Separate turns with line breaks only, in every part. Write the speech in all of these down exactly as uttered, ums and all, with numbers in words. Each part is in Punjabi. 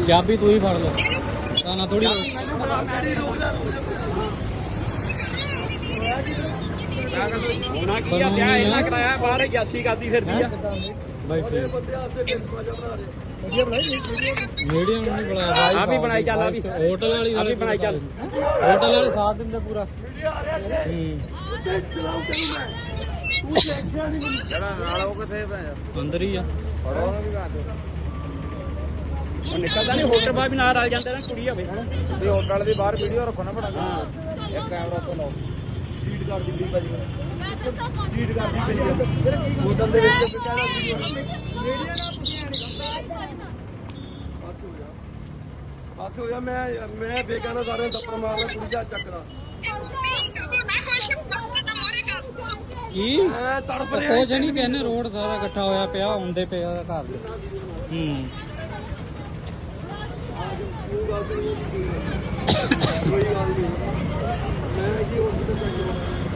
ਚਾਬੀ तू ही फड़ लो ना थोड़ी
कराया बाहर यासी करती फिरदी आ
भाई मीडियम नहीं बनाया भाई
आप ही बनाई चल अभी
होटल वाली
आप ही बनाई चल
होटल वाले साथ दिन पूरा अंदर ही है
निकलता नहीं होटल बाहर भी ना रल जाते ना कुड़ी होवे
ਤੇ ਹੋਟਲ ਦੀ ਬਾਹਰ ਵੀਡੀਓ ਰੱਖੋ ਨਾ ਬਣਾ
हां
ਇੱਕ ਕੈਮਰਾ ਉੱਤੇ ਲਾਓ ਸੀਟ ਕਰ ਦਿੱਲੀ ਭਾਜੀ ਸੀਟ ਕਰ ਦਿੱਲੀ ਹੋਟਲ ਦੇ ਵਿੱਚ ਵਿਚਾਰਾ ਮੀਡੀਆ ਨਾਲ ਤੁਸੀਂ ਐ ਨਹੀਂ ਕਰਦਾ ਬਸ ਹੋ ਜਾ ਬਸ ਹੋ ਜਾ ਮੈਂ ਮੈਂ ਫੇਕਾਂ ਨਾਲ ਸਾਰਿਆਂ ਨੂੰ ਦੱਪੜ ਮਾਰਦਾ ਕੁੜੀ ਦਾ ਚੱਕਦਾ
ਕੀ
ਮੈਂ ਤੜਫ ਰਿਹਾ
ਕੁਝ ਨਹੀਂ ਕਹਿੰਦੇ ਰੋਡ ਸਾਰਾ ਇਕੱਠਾ ਹੋਇਆ ਪਿਆ ਹੁੰਦੇ ਪਿਆ ਘਰ ਦੇ ਹੂੰ
ਕੋਈ ਗੱਲ ਨਹੀਂ ਮੈਂ ਕੀ ਹੋਰ ਕਿਤੇ ਚੱਕਦਾ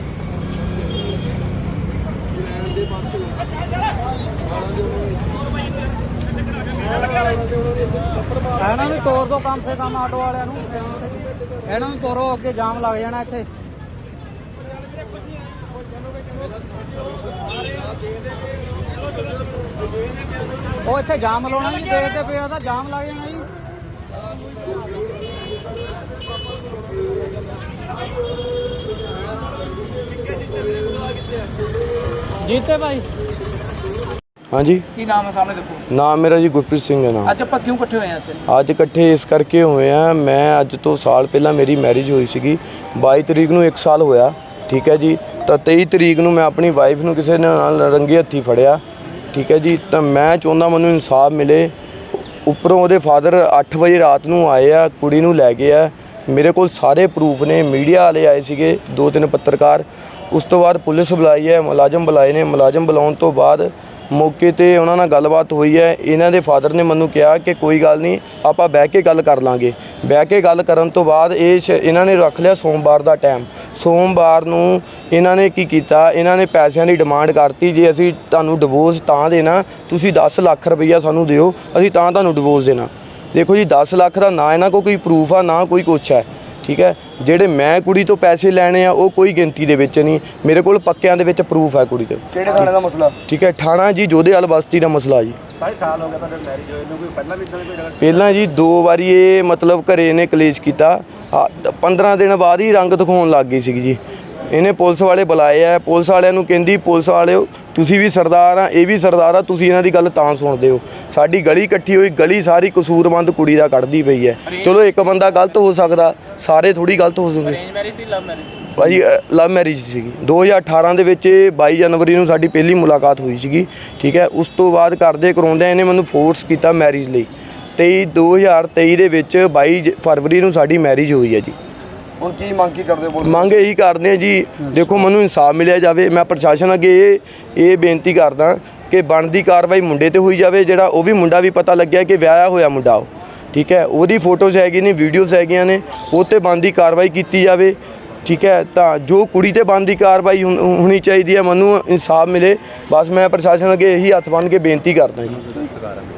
ਲੈਣ ਦੇ ਪਾਸੇ ਸਾਲਾਂ ਦੇ
ਇਹਨਾਂ ਨੂੰ ਤੋਰ ਦੋ ਕੰਮ ਸੇ ਕੰਮ ਆਟੋ ਵਾਲਿਆਂ ਨੂੰ ਇਹਨਾਂ ਨੂੰ ਤੋਰੋ ਅੱਗੇ ਜਾਮ ਲੱਗ ਜਾਣਾ ਇੱਥੇ ਉਹ ਇੱਥੇ ਜਾਮ ਲਾਉਣਾ ਜੀ ਦੇਖਦੇ ਪਏ ਉਹਦਾ ਜਾਮ ਲੱਗ ਜਾਣਾ ਜੀ ਜੀਤੇ ਭਾਈ
हाँ जी
की नाम है सामने देखो
नाम मेरा जी गुरप्रीत सिंह है नाम
ਅੱਜ ਆਪਾਂ ਕਿਉਂ ਇਕੱਠੇ ਹੋਏ ਆ ਇੱਥੇ
ਅੱਜ ਇਕੱਠੇ ਇਸ ਕਰਕੇ ਹੋਏ ਆ ਮੈਂ ਅੱਜ ਤੋਂ ਸਾਲ ਪਹਿਲਾਂ ਮੇਰੀ ਮੈਰਿਜ ਹੋਈ ਸੀਗੀ ਬਾਈ ਤਰੀਕ ਨੂੰ ਇੱਕ ਸਾਲ ਹੋਇਆ ਠੀਕ ਹੈ ਜੀ ਤਾਂ ਤੇਈ ਤਰੀਕ ਨੂੰ ਮੈਂ ਆਪਣੀ ਵਾਈਫ ਨੂੰ ਕਿਸੇ ਨਾਲ ਰੰਗੇ ਹੱਥੀ ਫੜਿਆ ਠੀਕ ਹੈ ਜੀ ਤਾਂ ਮੈਂ ਚਾਹੁੰਦਾ ਮੈਨੂੰ ਇਨਸਾਫ ਮਿਲੇ ਉੱਪਰੋਂ ਉਹਦੇ ਫਾਦਰ ਅੱਠ ਵਜੇ ਰਾਤ ਨੂੰ ਆਏ ਆ ਕੁੜੀ ਨੂੰ ਲੈ ਗਏ ਆ ਮੇਰੇ ਕੋਲ ਸਾਰੇ ਪ੍ਰੂਫ ਨੇ ਮੀਡੀਆ ਵਾਲੇ ਆਏ ਸੀਗੇ ਦੋ ਤਿੰਨ ਪੱਤਰਕਾਰ ਉਸ ਤੋਂ ਬਾਅਦ ਪੁਲਿਸ ਬੁਲਾਈ ਹੈ ਮੁਲਾਜ਼ਮ ਬੁਲਾਏ ਨੇ ਮੁਲਾਜ਼ਮ ਬੁਲਾਉਣ ਤੋਂ ਬਾਅਦ ਮੌਕੇ 'ਤੇ ਉਹਨਾਂ ਨਾਲ ਗੱਲਬਾਤ ਹੋਈ ਹੈ ਇਹਨਾਂ ਦੇ ਫਾਦਰ ਨੇ ਮੈਨੂੰ ਕਿਹਾ ਕਿ ਕੋਈ ਗੱਲ ਨਹੀਂ ਆਪਾਂ ਬਹਿ ਕੇ ਗੱਲ ਕਰ ਲਾਂਗੇ ਬਹਿ ਕੇ ਗੱਲ ਕਰਨ ਤੋਂ ਬਾਅਦ ਇਹ ਇਹਨਾਂ ਨੇ ਰੱਖ ਲਿਆ ਸੋਮਵਾਰ ਦਾ ਟਾਈਮ ਸੋਮਵਾਰ ਨੂੰ ਇਹਨਾਂ ਨੇ ਕੀ ਕੀਤਾ ਇਹਨਾਂ ਨੇ ਪੈਸਿਆਂ ਦੀ ਡਿਮਾਂਡ ਕਰਤੀ ਜੇ ਅਸੀਂ ਤੁਹਾਨੂੰ ਡਿਵੋਰਸ ਤਾਂ ਦੇਣਾ ਤੁਸੀਂ ਦਸ ਲੱਖ ਰੁਪਈਆ ਸਾਨੂੰ ਦਿਓ ਅਸੀਂ ਤਾਂ ਤੁਹਾਨੂੰ ਡਿਵੋਰਸ ਦੇਣਾ ਦੇਖੋ ਜੀ ਦਸ ਲੱਖ ਦਾ ਨਾ ਇਹਨਾਂ ਕੋਲ ਕੋਈ ਪ੍ਰੂਫ ਆ ਨਾ ਕੋਈ ਕੁਛ ਹੈ ਠੀਕ ਹੈ ਜਿਹੜੇ ਮੈਂ ਕੁੜੀ ਤੋਂ ਪੈਸੇ ਲੈਣੇ ਆ ਉਹ ਕੋਈ ਗਿਣਤੀ ਦੇ ਵਿੱਚ ਨਹੀਂ ਮੇਰੇ ਕੋਲ ਪੱਕਿਆਂ ਦੇ ਵਿੱਚ ਪ੍ਰੂਫ ਹੈ ਕੁੜੀ ਤੇ
ਕਿਹੜੇ ਥਾਣੇ ਦਾ ਮਸਲਾ
ਠੀਕ ਹੈ ਠਾਣਾ ਜੀ ਜੋਧੇਵਾਲ ਬਸਤੀ ਦਾ ਮਸਲਾ ਜੀ
ਢਾਈ ਸਾਲ ਹੋ ਗਿਆ ਤੁਹਾਡੇ ਮੈਰਿਜ ਹੋਏ ਨੂੰ ਕੋਈ ਪਹਿਲਾਂ ਵੀ ਇਦਾਂ ਦੀ ਕੋਈ
ਪਹਿਲਾਂ ਜੀ ਦੋ ਵਾਰੀ ਇਹ ਮਤਲਬ ਘਰੇ ਨੇ ਕਲੇਸ਼ ਕੀਤਾ ਪੰਦਰਾਂ ਦਿਨ ਬਾਅਦ ਹੀ ਰੰਗ ਦਿਖਾਉਣ ਲੱਗ ਗਈ ਸੀ ਜੀ ਇਹਨੇ ਪੁਲਿਸ ਵਾਲੇ ਬੁਲਾਏ ਆ ਪੁਲਿਸ ਵਾਲਿਆਂ ਨੂੰ ਕਹਿੰਦੀ ਪੁਲਿਸ ਵਾਲਿਓ ਤੁਸੀਂ ਵੀ ਸਰਦਾਰ ਆ ਇਹ ਵੀ ਸਰਦਾਰ ਆ ਤੁਸੀਂ ਇਹਨਾਂ ਦੀ ਗੱਲ ਤਾਂ ਸੁਣਦੇ ਹੋ ਸਾਡੀ ਗਲੀ ਇਕੱਠੀ ਹੋਈ ਗਲੀ ਸਾਰੀ ਕਸੂਰਮੰਦ ਕੁੜੀ ਦਾ ਕੱਢਦੀ ਪਈ ਹੈ ਚਲੋ ਇੱਕ ਬੰਦਾ ਗਲਤ ਹੋ ਸਕਦਾ ਸਾਰੇ ਥੋੜੀ ਗਲਤ ਹੋ ਸਕਦੇ ਭਾਜੀ ਲਵ ਮੈਰਿਜ ਸੀਗੀ ਦੋ ਹਜ਼ਾਰ ਅਠਾਰਾਂ ਦੇ ਵਿੱਚ ਬਾਈ ਜਨਵਰੀ ਨੂੰ ਸਾਡੀ ਪਹਿਲੀ ਮੁਲਾਕਾਤ ਹੋਈ ਸੀਗੀ ਠੀਕ ਹੈ ਉਸ ਤੋਂ ਬਾਅਦ ਕਰਦੇ ਕਰਾਉਂਦੇ ਇਹਨੇ ਮੈਨੂੰ ਫੋਰਸ ਕੀਤਾ ਮੈਰਿਜ ਲਈ ਤੇਈ ਦੋ ਹਜ਼ਾਰ ਤੇਈ ਦੇ ਵਿੱਚ ਬਾਈ ਫਰਵਰੀ ਨੂੰ ਸਾਡੀ ਮੈਰਿਜ ਹੋਈ ਹੈ ਜੀ
ਹੁਣ ਕੀ ਮੰਗ ਕੀ ਕਰਦੇ ਹੋ
ਮੰਗ ਇਹੀ ਕਰਦੇ ਆ ਜੀ ਦੇਖੋ ਮੈਨੂੰ ਇਨਸਾਫ ਮਿਲਿਆ ਜਾਵੇ ਮੈਂ ਪ੍ਰਸ਼ਾਸਨ ਅੱਗੇ ਇਹ ਇਹ ਬੇਨਤੀ ਕਰਦਾ ਕਿ ਬਣਦੀ ਕਾਰਵਾਈ ਮੁੰਡੇ ਤੇ ਹੋਈ ਜਾਵੇ ਜਿਹੜਾ ਉਹ ਵੀ ਮੁੰਡਾ ਵੀ ਪਤਾ ਲੱਗਿਆ ਕਿ ਵਿਆਹਿਆ ਹੋਇਆ ਮੁੰਡਾ ਉਹ ਠੀਕ ਹੈ ਉਹਦੀ ਫੋਟੋਜ਼ ਹੈਗੀ ਨੇ ਵੀਡੀਓਜ਼ ਹੈਗੀਆਂ ਨੇ ਉਹ 'ਤੇ ਬਣਦੀ ਕਾਰਵਾਈ ਕੀਤੀ ਜਾਵੇ ਠੀਕ ਹੈ ਤਾਂ ਜੋ ਕੁੜੀ 'ਤੇ ਬਣਦੀ ਕਾਰਵਾਈ ਹੋਣੀ ਚਾਹੀਦੀ ਹੈ ਮੈਨੂੰ ਇਨਸਾਫ ਮਿਲੇ ਬਸ ਮੈਂ ਪ੍ਰਸ਼ਾਸਨ ਅੱਗੇ ਇਹੀ ਹੱਥ ਬੰਨ੍ਹ ਕੇ ਬੇਨਤੀ ਕਰਦਾ ਜੀ